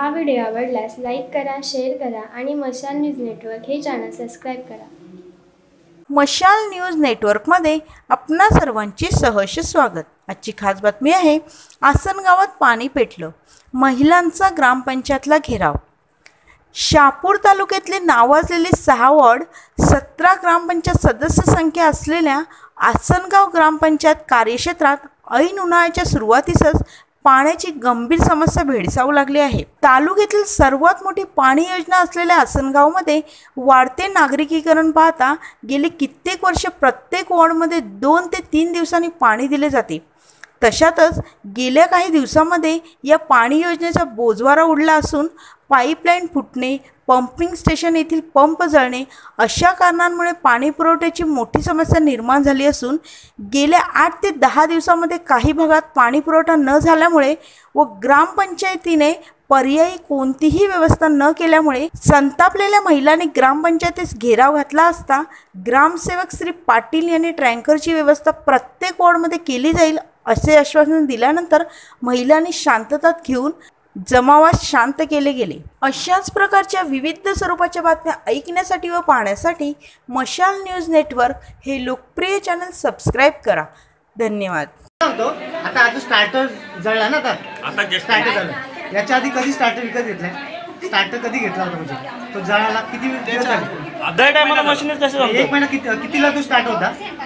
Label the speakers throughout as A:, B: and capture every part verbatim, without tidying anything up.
A: हा व्हिडिओ आवडल्यास लाईक करा, शेअर करा आणि मशाल न्यूज नेटवर्क हे चॅनल सबस्क्राईब करा।
B: मशाल न्यूज नेटवर्कमध्ये आपणा सर्वांचे सहर्ष स्वागत। आजची खास बातमी आहे, आसनगावात पाणी पेटलं, महिलांचा ग्रामपंचायतला घेराव। शहापूर तालुक्यातले नावाजलेले सहा वॉर्ड, सतरा ग्रामपंचायत सदस्य संख्या असलेल्या आसनगाव ग्रामपंचायत कार्यक्षेत्रात ऐन उन्हाळ्याच्या सुरुवातीसच पाण्याची गंभीर समस्या भेडसावू लागली आहे। तालुक्यातील सर्वात मोठी पाणी योजना असलेल्या आसनगावमध्ये वाढते नागरिकीकरण पाहता गेली कित्येक वर्ष प्रत्येक वॉर्डमध्ये दोन ते तीन दिवसांनी पाणी दिले जाते। तशातच गेल्या काही दिवसांमध्ये या पाणी योजनेचा बोजवारा उडला असून पाईपलाईन फुटणे, पंपिंग स्टेशन येथील पंप जळणे अशा कारणांमुळे पाणी पुरवठ्याची मोठी समस्या निर्माण झाली असून गेल्या आठ ते दहा दिवसांमध्ये काही भागात पाणी पुरवठा न झाल्यामुळे व ग्रामपंचायतीने पर्यायी कोणतीही व्यवस्था न केल्यामुळे संतापलेल्या महिलांनी ग्रामपंचायतीस घेराव घातला असता ग्रामसेवक श्री पाटील यांनी टँकरची व्यवस्था प्रत्येक वॉर्डमध्ये केली जाईल असे आश्वासन दिल्यानंतर महिलांनी शांतता घेऊन जमावास शांत केले गेले। अशाच प्रकारच्या विविध स्वरूपाच्या बातम्या ऐकण्यासाठी व पाहण्यासाठी मशाल न्यूज नेटवर्क हे लोकप्रिय चॅनल सबस्क्राइब करा। धन्यवाद।
C: आता आज स्टार्टर जळला ना, आता आता जे स्टार्टर झालं, याच्या आधी कधी स्टार्टर विकत घेतलाय? स्टार्टर कधी घेतला होता म्हणजे तो जळाला किती दिवस झाले?
D: दर टायमाला मशीन कसं जमतं?
C: एक महिना किती कितीला तो स्टार्ट होता?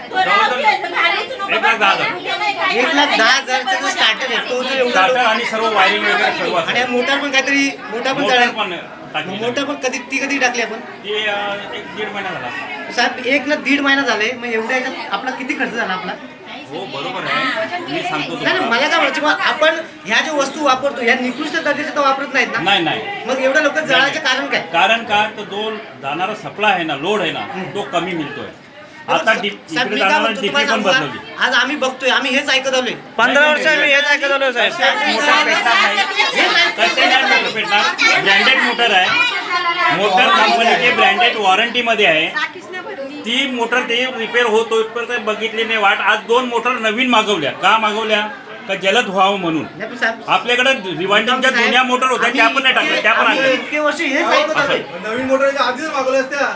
D: एक लाख दहा हजार
C: एक लाख दहा हजारचा जो स्टार्टर आहे तो जर
D: स्टार्टर आणि सर्व वायरिंग वगैरे सर्व
C: आणि मोटर पण काहीतरी मोटर पण जळाला
D: पण टाकली।
C: मोटर पण कधी ती कधी टाकली आपण?
D: ते एक दीड महिना झाला
C: साहेब, एक ना दीड महिना झाले, मग एवढ्या याच्यात आपला किती खर्च झाला आपला?
D: हो बरोबर आहे, मी सांगतो
C: नाही मला काय म्हणायचं, मग आपण ह्या ज्या वस्तू वापरतो ह्या निकृष्ट दर्जाच्या तर वापरत नाहीत ना?
D: नाही नाही
C: मग एवढ्या लोक जळायचं कारण काय?
D: कारण का तर जो जाणारा सप्लाय आहे ना, लोड आहे ना, तो कमी मिळतोय। आता इकडे जाणारा डीपी पण बदलली।
C: आज आम्ही बघतोय, आम्ही हेच ऐकत आलोय,
D: पंधरा वर्ष आम्ही हेच ऐकत आलोय साहेब। ब्रँडेड मोटर आहे, मोटर कंपनीची ब्रँडेड वॉरंटी मध्ये आहे। ती मोटर ते रिपेअर होतो इथपर्यंत बघितली नाही वाट। आज दोन मोटर नवीन मागवल्या, का मागवल्या? का जलद व्हावं म्हणून। आपल्याकडे रिवाइंडिंगच्या जुन्या मोटर होत्या त्या पण नाही टाकल्या, त्या पण आणल्या।
C: इतके वर्ष हेच ऐकत आलोय,
E: नवीन मोटर आधीच मागवल्या असत्या।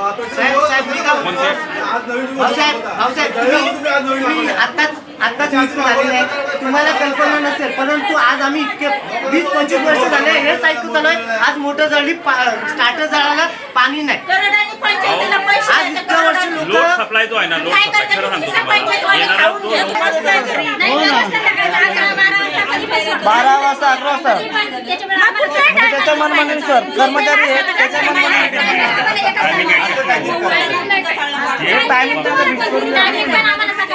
C: तुम्हाला कल्पना नसेल, परंतु आज आम्ही इतके वीस पंचवीस वर्ष झाले हेच ऐकत आलोय। आज मोटर जळली, स्टार्टर जळाला, पाणी नाही। आज इतक्या वर्ष लोक
D: सप्लाय जो आहे ना, लोड सप्लाय खरं सांगतो
E: बारा वाजता अकरा वाजता त्याच्या मनमानी सर कर्मचारी आहेत, त्याच्या मनमानी टायमिंग